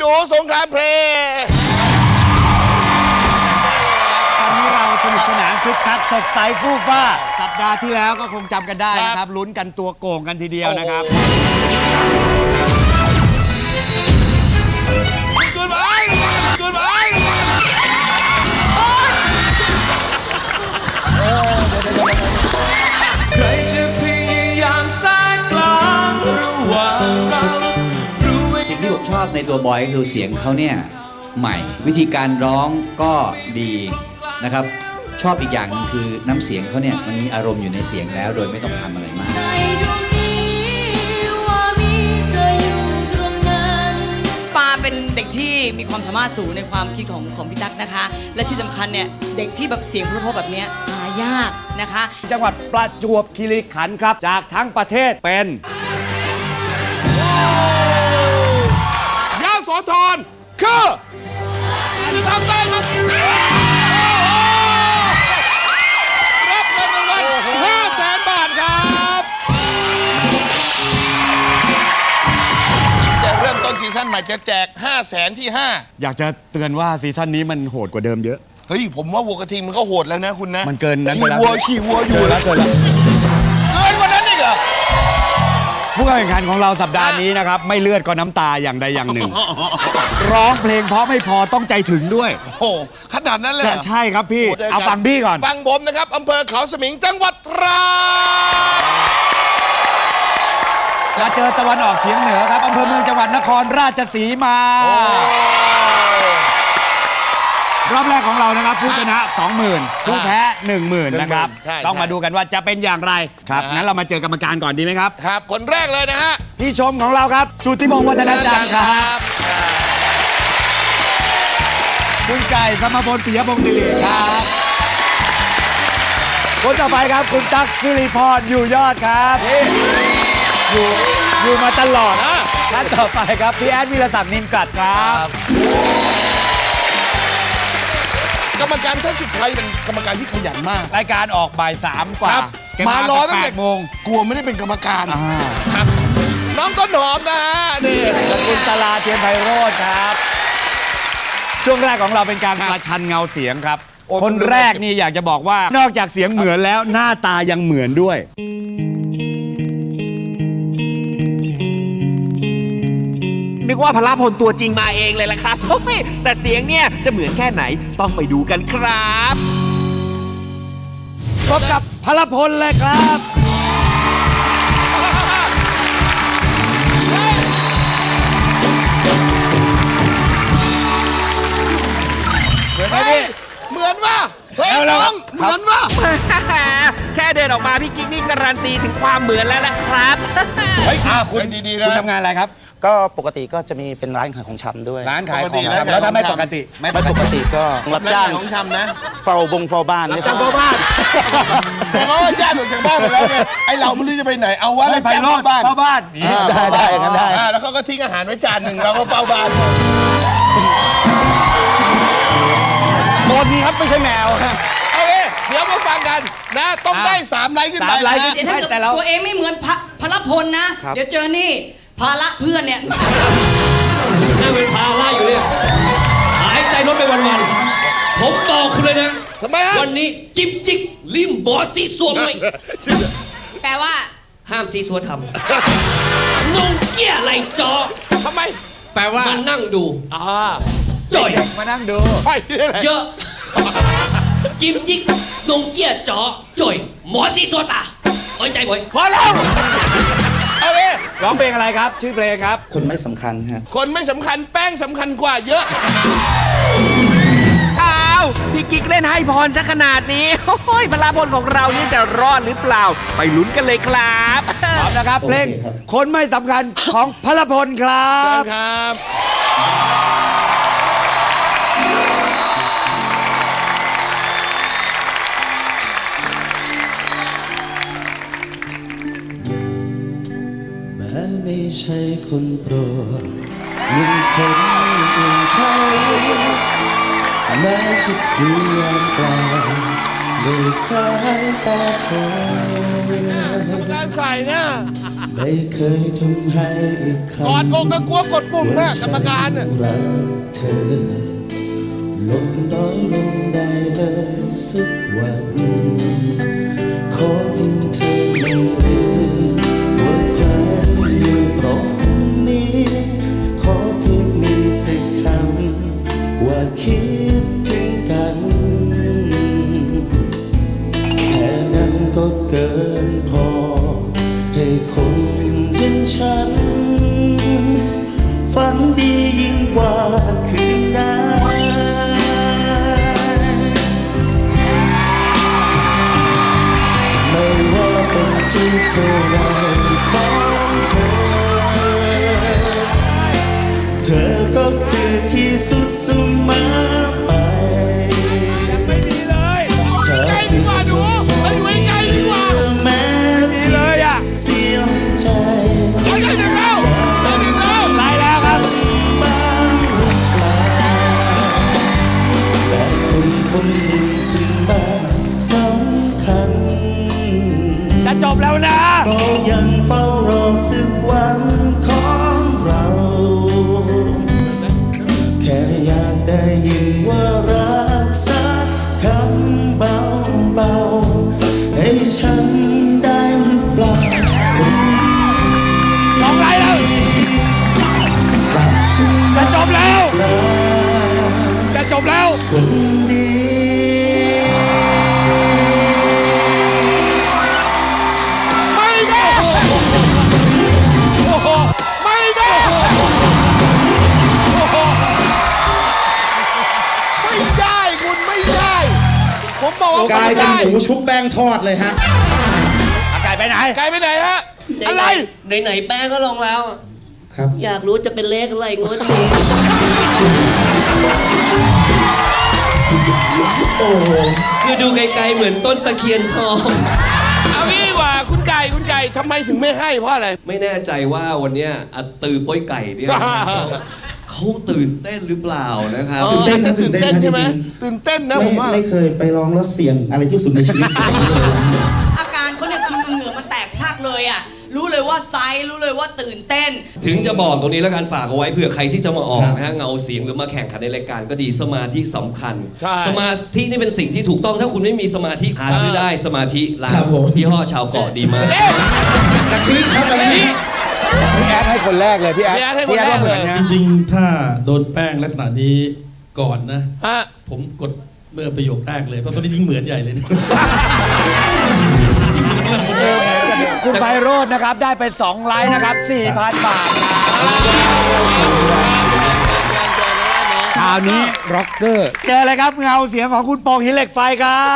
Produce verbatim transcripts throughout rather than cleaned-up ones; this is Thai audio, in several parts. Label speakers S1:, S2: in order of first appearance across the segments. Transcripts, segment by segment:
S1: นูสงครามเพลง
S2: ตอนนี้เราสนุกสนานคึกคักสดใสฟู่ฟ้าสัปดาห์ที่แล้วก็คงจำกันได้นะครับลุ้นกันตัวโก่งกันทีเดียวนะครับ
S1: จุดไปจุดไป
S3: ใครจะพยายามสร้างกลางระหว่างเราสิ่งที่ผมชอบในตัวบอยก็คือเสียงเขาเนี่ยใหม่วิธีการร้องก็ดีนะครับชอบอีกอย่างนึงคือน้ำเสียงเขาเนี่ยมันมีอารมณ์อยู่ในเสียงแล้วโดยไม่ต้องทำอะไรมาก
S4: ปาเป็นเด็กที่มีความสามารถสูงในความคิดของของพี่ตั๊กนะคะและที่สำคัญเนี่ยเด็กที่แบบเสียงเพราะๆแบบนี้หายากนะคะ
S2: จังหวัดประจวบคีรีขันธ์ครับจากทั้งประเทศเป็น
S1: ยโสธรคือทำได้ครับรับเงินรางวัลห้าแสนบาทครับจะเริ่มต้นซีซั่นใหม่จะแจกห้าแสนที่ห้า
S2: อยากจะเตือนว่าซีซั่นนี้มันโหดกว่าเดิมเยอะ
S1: เฮ้ยผมว่าวัวกระทิงมันก็โหดแล้วนะคุณนะ
S2: มันเกินนะ
S1: ขี่วัวขี่วัวอยู่
S2: แล้วเกินแล้ว
S1: เกินกว่านั้นอีกเหรอ
S2: ผู้แข่งขันของเราสัปดาห์นี้นะครับไม่เลือดก็น้ำตาอย่างใดอย่างหนึ่งร้องเพลงเพราะไม่พอต้องใจถึงด้วย
S1: โอ้ขนาดนั้นเลย
S2: ใช่ครับพี่เอาฟังพี่ก่อน
S1: ฟังผมนะครับอำเภอเขาสมิงจังหวัดตราด
S2: และเจอตะวันออกเฉียงเหนือครับอำเภอเมืองจังหวัดนครราชสีมารอบแรกของเรานะครับผู้ชนะ สองหมื่น ผู้แพ้ หนึ่งหมื่น นะครับต้องมาดูกันว่าจะเป็นอย่างไรครับงั้นเรามาเจอกรรมการก่อนดีไหมครับ
S1: ครับคนแรกเลยนะฮะ
S2: พี่ชมของเราครับสุทธิพงศ์วัฒนจันทร์ครับคุณไก่สมพลปิยพงศ์ศิริครับคนต่อไปครับคุณตั๊กสิริพรอยู่ยอดครับอยู่อยู่มาตลอดท่านต่อไปครับพี่แอดวีรศักดิ์นินกัดครับ
S1: กรรมการท่านสุดท้ายเป็นกรรมการที่ขยันมาก
S2: รายการออกบ่ายสามกว่าม
S1: ารอตั้งแต่โมงกลัวไม่ได้เป็นกรรมการครับน้องต้นหอมนะฮะนี่
S2: คุณตลาเทียนไพโรจน์ครับช่วงแรกของเราเป็นการประชันเงาเสียงครับคนแรกนี่อยากจะบอกว่านอกจากเสียงเหมือนแล้วหน้าตายังเหมือนด้วย
S5: นึกว่าพลพลตัวจริงมาเองเลยล่ะครับแต่เสียงเนี่ยจะเหมือนแค่ไหนต้องไปดูกันครับ
S2: พบกับพลพลเลยครับ
S1: เหมือนไหมพี่เหมือนว่าเฮ้ยน้องเหมือนว่า
S5: แค่เดินออกมาพี่กิ๊กนี่การันตีถึงความเหมือนแล้วล่ะครับ
S2: เฮ้ยคุณดีๆนะคุณทำงานอะไรครับ
S6: ก็ปกติก็จะมีเป็นร้านขายของชำด้วย
S2: ร้านขายของชำแล้วถ้าไม่ปกติ
S6: ไม่ปกติก็รับจ้าง
S1: ของชำนะ
S6: เฝ้าบงเฝ้าบ้าน
S2: รับจ้างเฝ้าบ้าน
S1: แต่เขาญาติหลุดจากบ้านไปแล้วไงไอเราไม่รู้จะไปไหนเอาว่า
S2: ไปเฝ้าบ้านเฝ้าบ้าน
S6: ได้ได้กันได้
S1: แล้วเขาก็ทิ้งอาหารไว้จานหนึ่งเราก็เฝ้าบ้าน
S6: คนครับไม่ใช่แมวฮะ
S1: โอเคเดี๋ยวมาฟังกันนะต้องได้สามไลค์ขึ้นไปนะ
S4: เดี๋ยวถ้าเกิดตัวเองไม่เหมือนพลพลนะเดี๋ยวเจอนี่ภาระเพื่อนเนี่ย
S3: นั่งเป็นภาระอยู่เนี่ยหายใจลดไปวันๆผมบอกคุณเลยนะ
S1: ทำไมฮะ
S3: วันนี้จิบจิกริมบอสซีซัวไม่
S4: แปลว่า
S3: ห้ามซีซัวทำงงเกี้ยไหลจอ
S1: ทำไม
S3: แปลว่ามานั่งดู
S1: อ่า
S3: จ่อย
S2: มานั่งดู
S3: เยอะกิมยิกนงเกี้ยจอจ่อยหมอซีซัวตาไว้ใจบ่อย
S1: พอแล้วโอเค
S2: ร้องเพลงอะไรครับชื่อเพลงครับ
S6: คนไม่สำคัญฮะ
S1: คนไม่สำคัญแป้งสำคัญกว่าเยอะ
S5: อ้าวพี่กิ๊กเล่นให้พรซะขนาดนี้โอ้ยพลพลของเรานี่จะรอดหรือเปล่าไปลุ้นกันเลยครับ
S2: พร้อมนะครับเพลงคนไม่สำคัญของพลพลครับ
S1: ครับ
S7: ไม่ใช่คนโปรดยังคนอื่นเขาแม้จะดูว่างเปล่าด้วยสายตาเธอ
S1: การใส่เนี่ย
S7: ไม่เคยทำให้อีกคำ
S1: กอดอกก็กลัวกดปุ่มนะกรรมการน่ะ
S7: รักเธอลดน้อยลงได้เลยสักวันขอเพียงเธอไม่ลืมว่าใครอยู่ตรงนี้ขอเพียงมีสักคำว่าคิดถึงกันแค่นั้นก็เกินพอให้คนอย่างฉันฝันดียิ่งกว่าคืนนั้นไม่ว่าเป็นที่เท่าไรของเธอเธอก็คือที่สุดเสมอไปไม่ดีเลยเธอดีกว่าหนูไม่ไว้ใจดีกว่าแม้ดีเลยอ่ะเสียใจไม่ได้แล้วไม่ได้แล้วตายแล้วครับบ้างหรือเปล่าแต่คนคนหนึ่งสิ่งมันสำคัญจะจบแล้วนะก็ยังเฝ้ารอสักวันของเราแค่อยากได้ยินว่ารักสักคำเบาๆให้ฉันได้หรือเปล่าคนดีร้องไรแล้วจะจบแล้วจะจบแล้วคนดี
S1: ไม่ได้โอ้โหไม่ได้โอ้โหไม่ได้คุณไม่ได้ผมบอกว่าก
S6: ลายเป็นหมูชุบแป้งทอดเลยฮะ
S2: อากาศไปไหน
S1: ไกลไปไหนฮะอะไร
S8: ไหนไหนๆแป้งก็ลงแล้ว
S6: ครับ
S8: อยากรู้จะเป็นเลขอะไรงวดนี้
S6: โอ้โห
S8: คือดูไกลๆเหมือนต้นตะเคียนทอง
S1: เอางี้ดีกว่าคุณไก่คุณไก่ทำไมถึงไม่ให้เพราะอะไร
S8: ไม่แน่ใจว่าวันเนี้ยอัตตือป้อยไก่เนี่ยเขาตื่นเต้นหรือเปล่านะครับ
S6: ตื่นเต้นนะตื่นเต้นนะจ
S1: ใช่ไหม
S6: ริง
S1: ตื่นเต้นนะ
S6: ๆ
S1: ผ
S6: ไม่
S1: มว่า
S6: ไม่เคยไปร้องแล้วเสียงอะไรที่สุดในชีวิต
S4: อาการเขาเนี่ยคือเหงื่อมันแตกพรากเลยอ่ะ รู้เลยว่าไซส์รู้เลยว่าตื่นเต้น
S8: ถึงจะบอกตรงนี้แล้วกันฝากเอาไว้เผื่อใครที่จะมาออกนะฮะเงาเสียงหรือมาแข่งขันในรายการก็ดีสมาธิสำคัญ
S1: ใช่
S8: สมาธินี่เป็นสิ่งที่ถูกต้องถ้าคุณไม่มีสมาธิหาซื้อได้สมาธิร้าน
S6: ครับผม
S8: ยี่ห้อชาวเกาะดีมาก
S6: กะทิครับกะทิ
S2: พี่แอดให้คนแรกเลยพี่แอด
S1: พี่แอดให้คนแรก
S2: ว่าเหมือน
S1: เลย
S2: นะ
S9: จริงๆ ถ้าโดนแป้งลักษณะนี้ก่อนนะ
S1: ฮะ
S9: ผมกดเมื่อประโยคแรกเลย เพราะตอนนี้ยิ่งเหมือนใหญ่เลย
S2: คุณไพโรจน์นะครับ ได้ไปสองไลน์นะครับ สี่พัน บาทนะคราวนี้ร็อกเกอร์ เจอเลยครับเงาเสียงของคุณโป่งหินเหล็กไฟครับ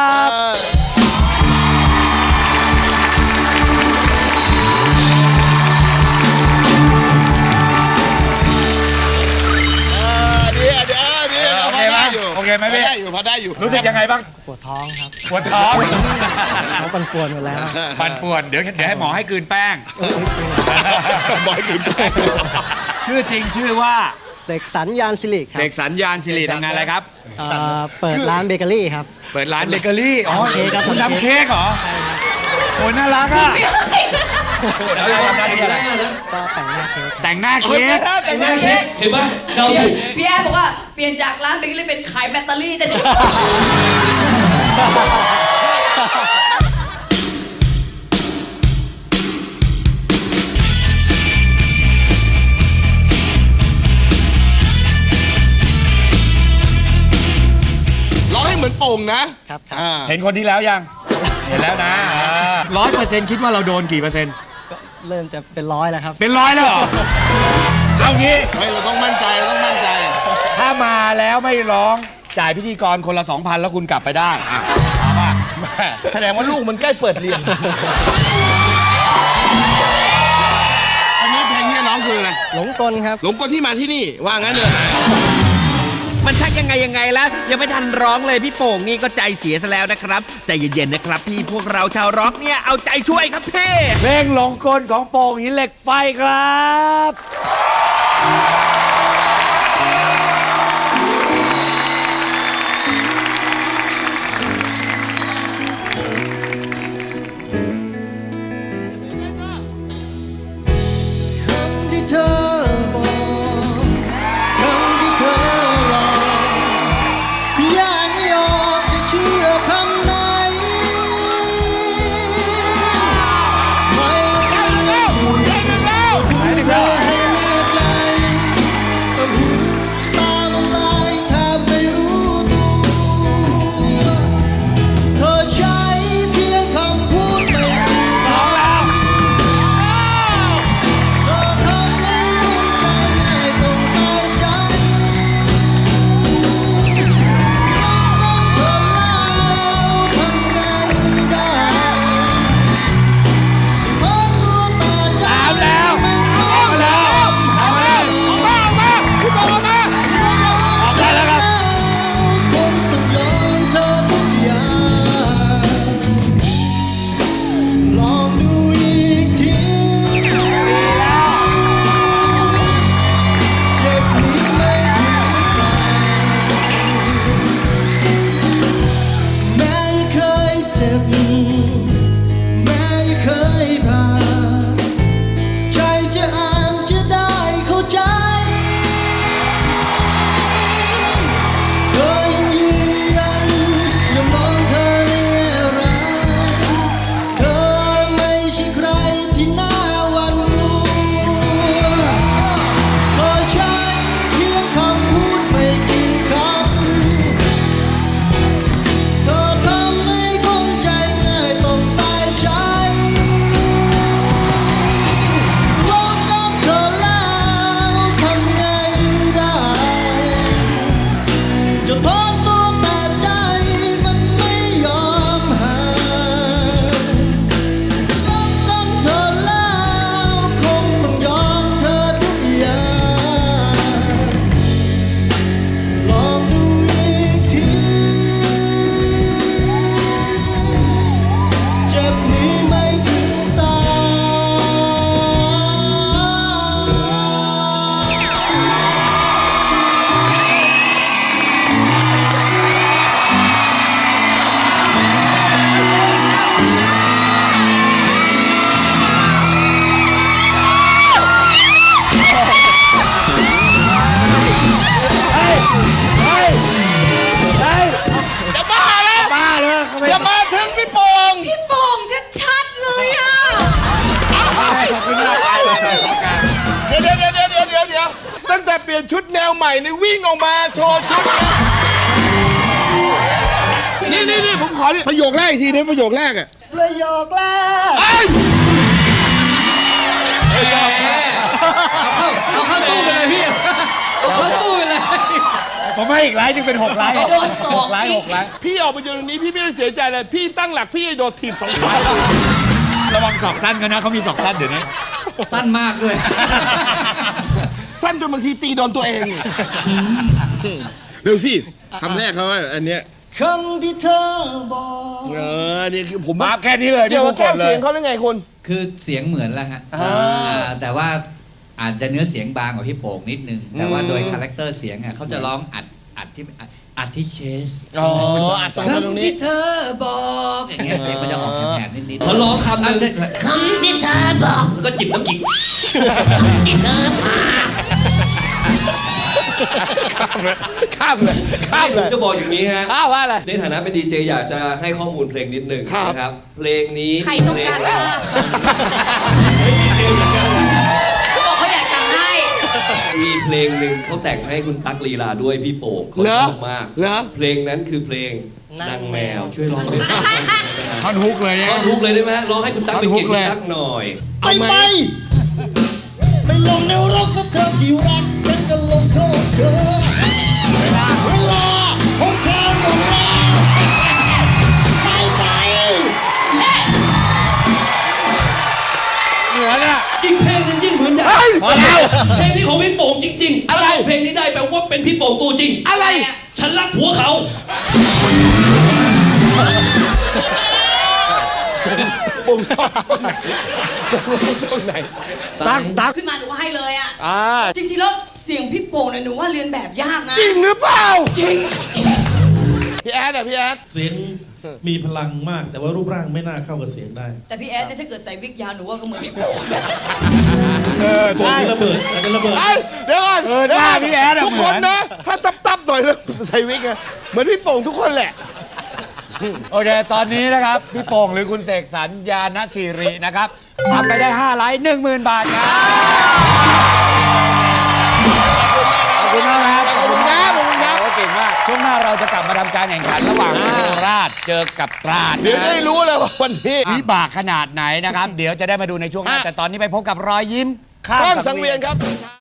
S1: ดีอ่ะดีอ่ะดีอ่ะ
S2: โอเคไหม
S1: พอด้ยู่
S2: โอเคไหมพี่
S1: พอได้อยู่พอได้อยู่
S2: รู้สึกยังไงบ้าง
S10: ปวดท้องครับ
S2: ปวดท้อง
S10: เขาปั่นป่วนหมดแล้ว
S2: ปันป่วนเดี๋ยวเดี๋ยวให้หมอให้กลืนแป้ง
S1: บอยกลืนแป้ง
S2: ชื่อจริงชื่อว่า
S10: เสกสรรยานสิริค
S2: เส
S10: รับ
S2: กสรรยานสิริทำงานอะไรครับ
S10: เอ่อเปิดร้านเบเกอรี่ครับ
S2: เปิดร้านเบเกอรี่ อ๋อ
S10: ทำเค้กครับ
S2: คุณ
S10: ทำ
S2: ทำ
S10: เค้
S2: เค้ก
S10: ก
S2: เหรอโอ้ยน่ารักอ่ะแล้วเราทำหน้าที่อะไร
S10: ก็แต่งหน้าเค้ก
S2: แต่งหน้า
S1: เฮ้ย
S2: เค้ก
S1: แต่งหน้าเค้ก
S8: เห็นปะเดาถูก
S4: พี่แอนบอกว่าเปลี่ยนจากร้านเบเกอรี่เป็นขายแบตเตอรี่จะดี
S1: ร้องให้เหมือนโป่งนะ
S10: ครับครับ
S1: อ่า
S2: เห็นคนที่แล้วยัง เห็นแล้วนะร้อยเปอร์เซ็นต์คิดว่าเราโดนกี่เปอร์เซ็นต์
S10: ก็เริ่มจะเป็นร้อยแล้วครับ
S2: เป็นร้อยแล้วเหรอ เอางี้
S1: เฮ้ยเราต้องมั่นใจเราต้องมั่นใจ
S2: ถ้ามาแล้วไม่ร้องจ่ายพิธีกรคนละสองพันแล้วคุณกลับไปได้อ่ะเอาป่ะ
S1: แสดงว่าลูกมันใกล้เปิดเรียนอันนี้เพลงที่น้องคืออะไร
S10: หลงกลครับ
S1: หลงกลที่มาที่นี่ว่างั้นเลย
S5: มันชักยังไงยังไงแล้วยังไม่ทันร้องเลยพี่โป่งนี่ก็ใจเสียซะแล้วนะครับใจเย็นๆนะครับพี่พวกเราชาวร็อกเนี่ยเอาใจช่วยครับพี่
S2: เพลงหลงกลของโป่งหินเหล็กไฟครับ
S1: นชุดแนวใหม่นี่วิ่งออกมาโชว์ชุดนี่นี่นี่ผมขอนี่ประโยคแรกอีกทีนึงประโยคแรกอะ
S10: ประโยคแรก
S3: เอาเข้าตู้ไปเลยพี่ เอาเข้าตู้ไปเลย
S2: ผมให้อีกไลน์หนึงเป็นหกไลน์
S4: โดนสอง
S2: ไลน์หกไลน์
S1: พี่ออกมาอยู่ตรงนี้พี่ไม่ต้องเสียใจเลยพี่ตั้งหลักพี่โดนทีมสองฝ่าย
S2: ระวังศอกสั้นกันนะเขามีศอกสั้นเดี๋ยวนี้
S3: สั้นมากด้วย
S1: สั้นจนบางทีตีโดนตัวเองเร็วสิคำแรกเขาว่าอันเนี้ย
S10: คำที่เธอบอก
S1: เออนี่คือผม
S2: มาแค่นี้เลย
S1: เดี๋ยว
S2: พี่
S1: แก้
S2: พูดก่อนเล
S1: เสี
S2: ย
S1: ยงเขาได้ไงคุณ
S3: คือเสียงเหมือนแล้วฮะอ่าแต่ว่าอาจจะเนื้อเสียงบางกว่าพี่โป่งนิดนึง แต่ว่าโดยคาแรคเตอร์เสียงอ่ะเขาจะร้องอัดอัดที่อัดอัดที่เชส
S1: อ๋ออัดจากตรงนี้
S3: คำที่เธอบอกอย่างเงี้ยเสียงมันจะออกแหบๆนิดๆ
S8: พอร้องคำหนึ่ง
S3: คำที่เธอบอก
S8: ก็จิบน้ำกิก
S3: ที่เธอมา
S1: ข้ามเลยข้าม
S8: ผ
S1: เล
S8: ม
S1: ย
S8: จะบอกอย่างนี้ฮะ
S1: ข้ามว่าอะไร
S8: ในฐานะเป็นดีเจอยากจะให้ข้อมูลเพลงนิดหนึ่ง
S1: ครับ
S8: นะครับ เพลงนี้
S4: ใครต้องการ
S8: เพล
S4: ภาพ
S8: ดีเจเหมือนกัน
S4: เขาบอกเขาอยากจะให้
S8: มีเพลงหนึ่งเขาแต่งให้คุณตั๊กลีลาด้วยพี่โป่งเขา
S1: เหร
S8: ช
S1: อ
S8: อบมาก
S1: เหรอ
S8: เพลงนั้นคือเพลงนางแมวช่วยร้องด้วย
S2: ท่อนฮุกเลยเนี่ย
S8: ร้องทุกเลยได้ไหมฮะร้องให้คุณตั๊กเป็นเกียรติคุณตั๊กหน่อย
S6: ไม่ไปไม่ลงแนวรกกับเธอที่รักฉันจะลงโทษเธอเวลาของเธอหมดแล้วไปไป
S2: เหมือนอ่ะ
S8: อีกเพลงหนึงยิ่งเหมือนใหญ่
S2: พอแล้ว
S8: เพลงนี้ของพี่โป่งจริงๆถ้าร้องเพลงนี้ได้แปลว่าเป็นพี่โป่งตัวจริง
S1: อะไร
S8: ฉันรักผัวเขา
S1: ปุ่มตรงไหนตักตัก
S4: ขึ้นมาหนูให้เลยอ่ะ
S1: อ่า
S4: จริงๆแล้วเสียงพี่โป่งเนี่ยหนูว่าเรียนแบบยากนะ
S1: จริงหรือเปล่า
S4: จริง
S1: พี่แอดอะพี่แอด
S9: เสียงมีพลังมาก แต่ว่ารูปร่างไม่น่าเข้ากับเสียงได้
S4: แต่พี่แอดเนี่ยถ้าเกิดใส่วิกยาวหนูว่าก็เหมือนพี่โป่ง
S2: เออ
S9: โป่ง
S2: ใช่
S9: ระเบิดอาจจะระเบิด
S1: ไอ้เดี๋ยวก่อน
S2: เออหน้าพี่แอดอะ
S1: ทุก
S2: เหมื
S1: ค
S2: อน
S1: นนะ ถ้าตับตับๆหน่อยแล้วใส่วิกอะเหมือนพี่โป่งทุกคนแหละ
S2: โอเค ตอนนี้นะครับ พี่โป่งหรือคุณเสกสรรญาณสิรินะครับทำไปได้ห้าไลค์หนึ่งหมื่นบาทครับ ขอบคุณมากครับ
S1: ขอบคุณครับขอบคุณครับ
S2: โอ้เก่งมาก ช่วงหน้าเราจะกลับมาทำการแข่งขันระหว่างโคราชเจอกับตราด
S1: เดี๋ยวจะได้รู้เลยว่าวันนี้
S2: วิบากขนาดไหนนะครับ เดี๋ยวจะได้มาดูในช่วงหน้า แต่ตอนนี้ไปพบกับรอยยิ้มข้าม
S1: ข้าม
S2: สั
S1: สั
S2: ง
S1: ง
S2: เวี
S1: เวี
S2: ย
S1: ย
S2: น
S1: นครับ